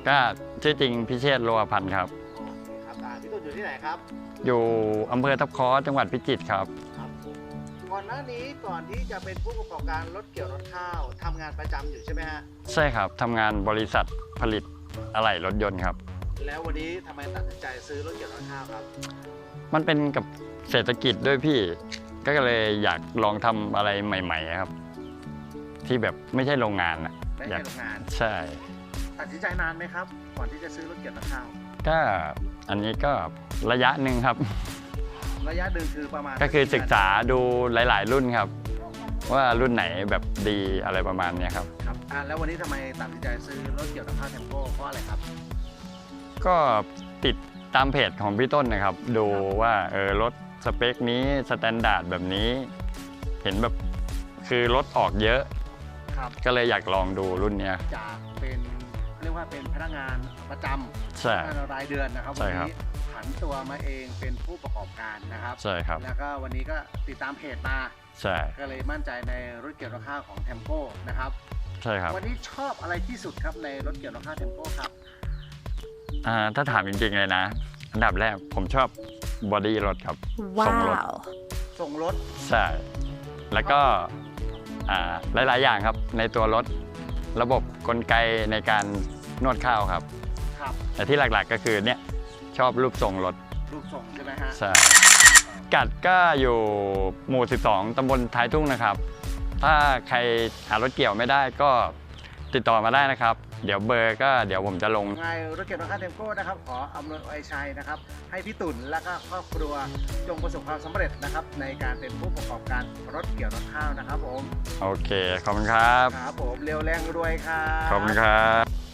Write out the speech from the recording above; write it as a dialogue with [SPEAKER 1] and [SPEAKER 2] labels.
[SPEAKER 1] ก็ชื่อจริงพิเชษฐ์ โลหพันธ์ครับ
[SPEAKER 2] โอเคครับพี่ตุ่นอยู่ที่ไหนครับ
[SPEAKER 1] อยู่อำเภอทับค้อจังหวัดพิจิตรครับ
[SPEAKER 2] ครับก่อนหน้านี้ก่อนที่จะเป็นผู้ประกอบการรถเกี่ยวรถข้าวทำงานประจำอยู่ใช่ไหมฮะ
[SPEAKER 1] ใช่ครับทำงานบริษัทผลิตอะไหล่รถยนต์ครับ
[SPEAKER 2] แล้ววันนี้ทำไมตัดสินใจซื้อรถเกี่ยวรถข้าวครับ
[SPEAKER 1] มันเป็นกับเศรษฐกิจด้วยพี่ก็เลยอยากลองทำอะไรใหม่ๆครับที่แบบไม่ใช่โรงงานนะ
[SPEAKER 2] ไม่ใช่โรงงาน
[SPEAKER 1] ใช่
[SPEAKER 2] ตัดสินใจนานไหมครับก่อนที่จะซื้อรถเกี่ยวรถข้าว
[SPEAKER 1] ก็อันนี้ก็ระยะหนึ่งครับ
[SPEAKER 2] ระยะหนึ่งคือประมาณ
[SPEAKER 1] ก็คือศึกษาดูหลายๆรุ่นครับว่ารุ่นไหนแบบดีอะไรประมาณนี้ครับ
[SPEAKER 2] ครับแล้ววันนี้ทำไมตัดสินใจซื้อรถเกี่ยวรถข้าวเทมโปเพราะอะไรครับ
[SPEAKER 1] ก็ติดตามเพจของพี่ต้นนะครับดูว่ารถสเปคนี้สแตนดาร์ดแบบนี้เห็นแบบคือรถออกเยอะก็เลยอยากลองดูรุ่นนี้
[SPEAKER 2] จากเป็นเรียกว่าเป็นพนักงานประจำ
[SPEAKER 1] ใช่
[SPEAKER 2] รายเดือนนะครับวันนี้ผันตัวมาเองเป็นผู้ประกอบการนะครับ
[SPEAKER 1] ใช่ครับ
[SPEAKER 2] แล้วก็วันนี้ก็ติดตามเพจมา
[SPEAKER 1] ใช่
[SPEAKER 2] ก็เลยมั่นใจในรถเกี่ยวรถข้าวของเทมโปนะครับ
[SPEAKER 1] ใช่ครับ
[SPEAKER 2] วันนี้ชอบอะไรที่สุดครับในรถเกี่ยวรถข้าวเทมโปครับ
[SPEAKER 1] ถ้าถามจริงๆเลยนะอันดับแรกผมชอบบอดี้รถครับ
[SPEAKER 2] ส่งรถ
[SPEAKER 1] ใช่แล้วก็หลายๆอย่างครับในตัวรถระบบกลไกในการนวดข้าวครับแต่ที่หลักๆก็คือเนี่ยชอบรูปทรงรถ
[SPEAKER 2] รูปทรงใช่ไหมฮะ
[SPEAKER 1] ใช่กัดก็อยู่หมู่12ตำบลท้ายทุ่งนะครับถ้าใครหารถเกี่ยวไม่ได้ก็ติดต่อมาได้นะครับเดี๋ยวเบอร์ก็เดี๋ยวผมจะลง
[SPEAKER 2] ไงรถเกี่ยวรถข้าวเทมโปนะครับขออำนวยอวยชัยนะครับให้พี่ตุ่นและก็ครอบครัวจงประสบความสำเร็จนะครับในการเป็นผู้ประกอบการรถเกี่ยวรถข้าวนะครับผม
[SPEAKER 1] โอเคขอบคุณครับ
[SPEAKER 2] ครับผมเร็วแรงรวยครับ
[SPEAKER 1] ขอบคุณครับ